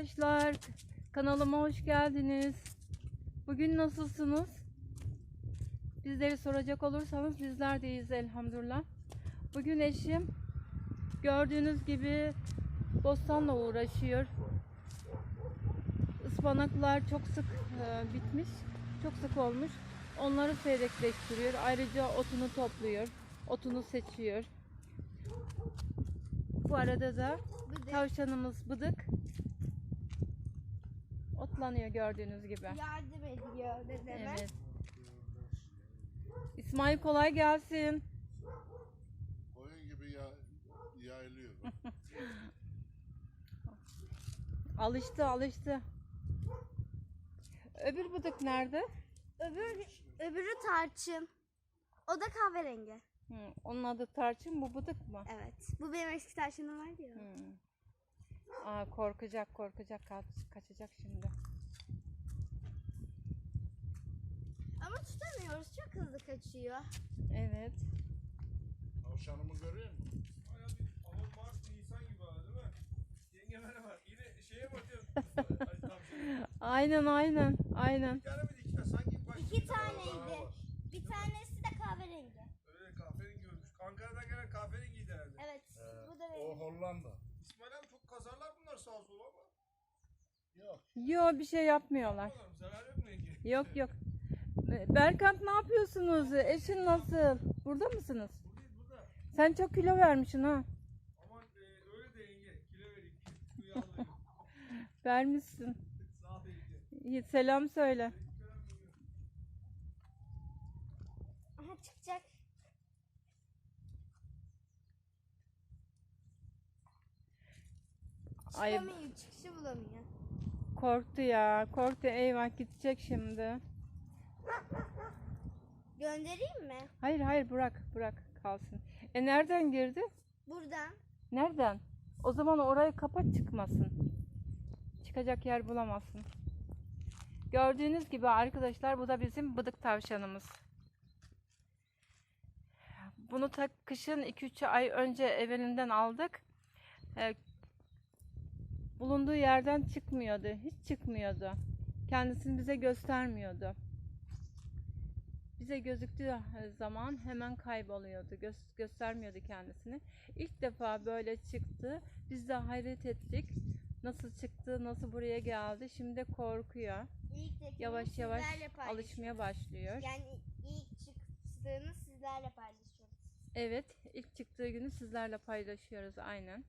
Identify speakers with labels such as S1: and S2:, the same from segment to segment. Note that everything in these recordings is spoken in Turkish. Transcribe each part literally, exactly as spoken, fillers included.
S1: arkadaşlar, kanalıma hoş geldiniz. Bugün nasılsınız? Bizleri soracak olursanız bizler de iyiyiz elhamdülillah. Bugün eşim gördüğünüz gibi bostanla uğraşıyor. Ispanaklar çok sık e, bitmiş, çok sık olmuş. Onları seyrekleştiriyor. Ayrıca otunu topluyor, otunu seçiyor. Bu arada da
S2: Bıdık.
S1: tavşanımız Bıdık otlanıyor gördüğünüz gibi.
S2: Yardım ediyor dedeme.
S1: Evet. İsmail kolay gelsin.
S3: Koyun gibi ya, yayılıyor.
S1: Alıştı alıştı. Öbür Bıdık nerede?
S2: Öbür, öbürü tarçın. O da kahverengi.
S1: Hı, onun adı Tarçın, bu Bıdık mı?
S2: Evet. Bu benim eski tarçınım vardı ya.
S1: Hı. Aa, korkacak korkacak kaç, kaçacak şimdi.
S2: Ama tutamıyoruz. Çok hızlı kaçıyor.
S1: Evet.
S3: Tavşanımı görüyor musun?
S4: Baya bir ama Mart Nisan gibi ha, değil mi? Yenge merhaba. Yine şeye mi atıyorsun? Ay, tavşanı.
S1: Aynen aynen aynen.
S4: Bir tane mi iki tane? Sanki başka
S2: İki
S4: bir tane daha
S2: taneydi.
S4: var.
S2: Bir tanesi de kahverengi.
S4: Öyle kahverengi görmüş. Ankara'dan gelen kahverengiydi herhalde.
S2: Evet.
S3: Ee,
S2: Bu da
S3: o
S2: benim.
S3: Hollanda.
S4: İsmail abi çok kazarlar bunlar sağa sola ama.
S3: Yok.
S1: Yo, bir şey yapmıyorlar.
S4: Yapmalar mı? Zarar yok mu yenge?
S1: Yok yok. Berkant, ne yapıyorsunuz? Eşin nasıl? Burada mısınız?
S4: Buradayız burada.
S1: Sen çok kilo vermişsin ha.
S4: Aman e, öyle de yenge. Kilo vereyim. Su yağlayayım.
S1: Vermişsin.
S4: Sağ ol yenge.
S1: İyi, selam söyle.
S2: Aha çıkacak.
S1: Ay,
S2: Çıkamıyor. Çıkışı bulamıyor.
S1: korktu ya. Korktu, eyvah gidecek şimdi.
S2: Göndereyim mi?
S1: Hayır hayır, bırak bırak kalsın. E nereden girdi?
S2: Buradan.
S1: Nereden? O zaman orayı kapat, çıkmasın. Çıkacak yer bulamazsın. Gördüğünüz gibi arkadaşlar, bu da bizim Bıdık tavşanımız. Bunu ta kışın iki üç ay önce evvelinden aldık. Ee, bulunduğu yerden çıkmıyordu. Hiç çıkmıyordu. Kendisini bize göstermiyordu. Bize gözüktüğü zaman hemen kayboluyordu. Gö göstermiyordu kendisini. İlk defa böyle çıktı. Biz de hayret ettik. Nasıl çıktı, nasıl buraya geldi. Şimdi korkuyor.
S2: İlk tekini
S1: Yavaş yavaş
S2: sizlerle paylaşıyoruz.
S1: alışmaya başlıyor.
S2: Yani ilk çıktığını sizlerle paylaşıyoruz.
S1: Evet, ilk çıktığı günü sizlerle paylaşıyoruz aynen.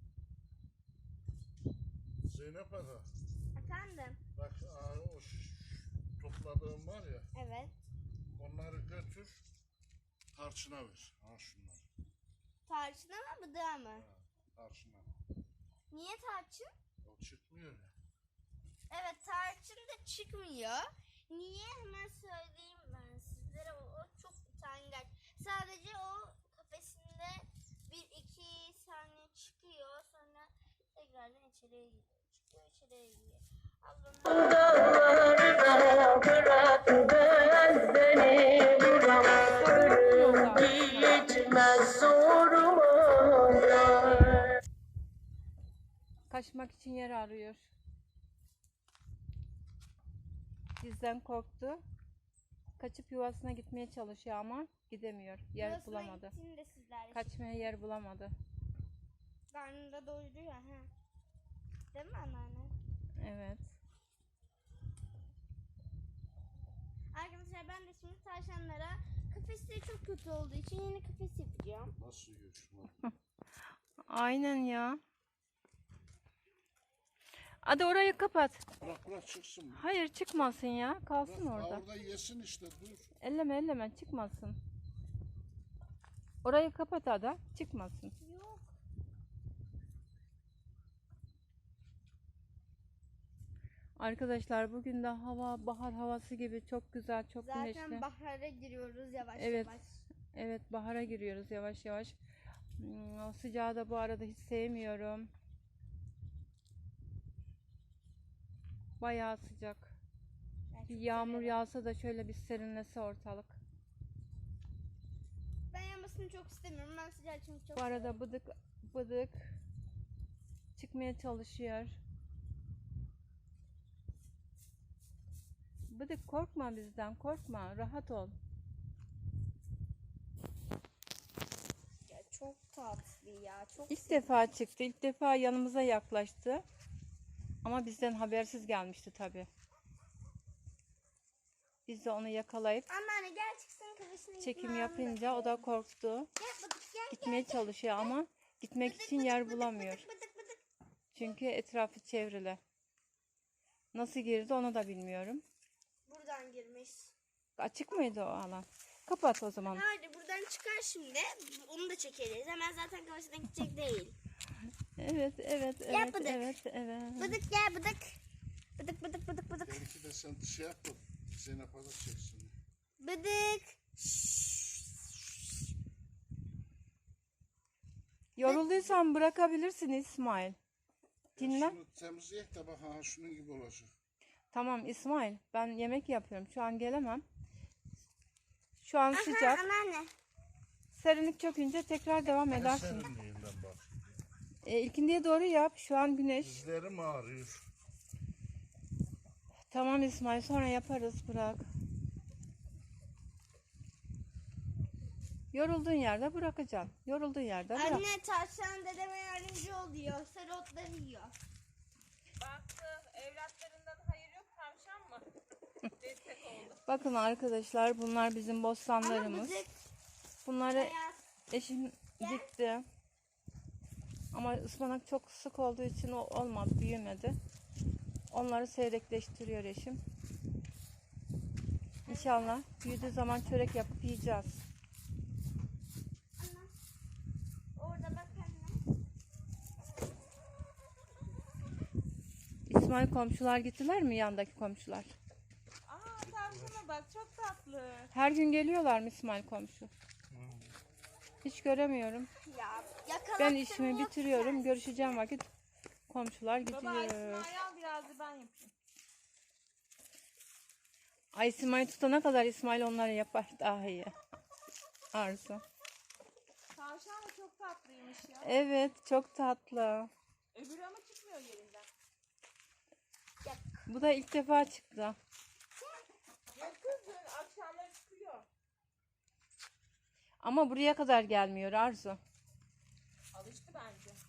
S3: Zeynep Ada.
S2: Efendim?
S3: Bak aa, o ş- topladığım var ya.
S2: Evet.
S3: Onları götür. Tarçına ver. Ha şunlar.
S2: Tarçın ama bıdığa mı?
S3: Ha, tarçına.
S2: Niye tarçın?
S3: O çıkmıyor ya.
S2: Evet, tarçın da çıkmıyor. Niye, hemen söyleyeyim ben sizlere. O, o çok utangaç. Sadece o kafesinde bir iki saniye çıkıyor. Sonra tekrardan içeriye giriyor. Çıkıyor, içeriye giriyor. Ablam
S5: Dağlarda bırak ben beni buram gitmez zoruma.
S1: Kaçmak için yer arıyor. Bizden korktu. Kaçıp yuvasına gitmeye çalışıyor ama gidemiyor. Yer
S2: yuvasına
S1: bulamadı.
S2: gittiğinde sizlerle
S1: Kaçmaya yer bulamadı.
S2: karnında doyuruyor. Ha. Değil mi anneanne?
S1: Evet.
S2: Arkadaşlar, ben de şimdi tavşanlara, kafesleri çok kötü olduğu için yeni kafes yapacağım.
S3: Nasıl yiyor şunlar?
S1: Aynen ya. Hadi orayı kapat.
S3: Bırak bırak çıksın.
S1: Hayır, çıkmasın ya. Kalsın
S3: Bırak,
S1: orada.
S3: orada yesin işte dur.
S1: Elleme elleme, çıkmasın. Orayı kapat Ada. Çıkmasın.
S2: Yok.
S1: Arkadaşlar, bugün de hava bahar havası gibi çok güzel, çok
S2: Zaten
S1: güneşli.
S2: bahara giriyoruz yavaş
S1: Evet.
S2: yavaş.
S1: Evet, bahara giriyoruz yavaş yavaş. Hmm, o sıcağı da bu arada hiç sevmiyorum. Bayağı sıcak.
S2: Ben çok
S1: Bir yağmur
S2: severim.
S1: yağsa da şöyle bir serinlese ortalık.
S2: Ben yanmasını çok istemiyorum. Ben sıcağı çünkü çok
S1: Bu arada
S2: severim.
S1: Bıdık Bıdık çıkmaya çalışıyor. Bıdık korkma bizden, korkma. Rahat ol.
S2: Ya çok tatlı ya. Çok
S1: İlk defa çıktı. İlk defa yanımıza yaklaştı. Ama bizden habersiz gelmişti tabii. Biz de onu yakalayıp
S2: Anneanne gel çıksın kafesine.
S1: çekim yapınca o da korktu.
S2: Gel bıdık gel.
S1: Gitmeye çalışıyor ama gitmek için yer bulamıyor.
S2: Bıdık bıdık.
S1: Çünkü etrafı çevrili. Nasıl girdi onu da bilmiyorum.
S2: Buradan girmiş.
S1: Açık mıydı o alan? Kapat o zaman.
S2: Hadi buradan çıkar şimdi. Onu da çekeriz. Hemen zaten kafesine gidecek değil.
S1: Evet, evet,
S2: Gel
S1: evet,
S2: bıdık.
S1: evet, evet.
S2: Bıdık gel bıdık. Bıdık bıdık bıdık bıdık.
S3: Belki de sen şey yap da Zeynep Ada çeksin.
S2: Bıdık.
S1: Yorulduysan bırakabilirsin İsmail. Dinle.
S3: Şunu temizleyek de bak ha şunun gibi olacak.
S1: Tamam İsmail, ben yemek yapıyorum. Şu an gelemem. Şu an
S2: Aha,
S1: sıcak.
S2: anneanne.
S1: Serinlik çökünce tekrar devam edersin.
S3: Serinliğinden bak.
S1: E, ilkindiye doğru yap. Şu an güneş.
S3: Dizlerim ağrıyor.
S1: Tamam İsmail, sonra yaparız. Bırak. Yorulduğun yerde bırakacaksın. Yorulduğun yerde bırak.
S2: Anne tavşan dedeme yardımcı oluyor. Sarı otları yiyor.
S6: Baktı evlatlarından hayır yok tavşan mı? Destek oldu.
S1: Bakın arkadaşlar, bunlar bizim
S2: Ama
S1: bostanlarımız.
S2: bıdık
S1: Bunları
S2: beyaz.
S1: eşim dikti. Ama ıspanak çok sık olduğu için o olmadı, büyümedi. Onları seyrekleştiriyor eşim. İnşallah büyüdüğü zaman çörek yapıp yiyeceğiz.
S2: Orada bak anne.
S1: İsmail komşular gittiler mi, yandaki komşular?
S6: Aa tavşana bak çok tatlı.
S1: Her gün geliyorlar mı İsmail komşu? Hiç göremiyorum.
S2: Ya yakalattım.
S1: Ben işimi
S2: yok
S1: bitiriyorum.
S2: sen.
S1: Görüşeceğim vakit komşular
S6: Baba
S1: gidiyor.
S6: İsmail al biraz da ben yapayım.
S1: Ay İsmail tutana kadar İsmail onları yapar daha iyi. Arzu.
S6: Tavşan da çok tatlıymış ya.
S1: Evet, çok tatlı.
S6: Öbürü ama çıkmıyor yerinden.
S1: Bu da ilk defa çıktı.
S6: Ya kızın akşamları çıkıyor.
S1: Ama buraya kadar gelmiyor Arzu.
S6: Alıştı bence.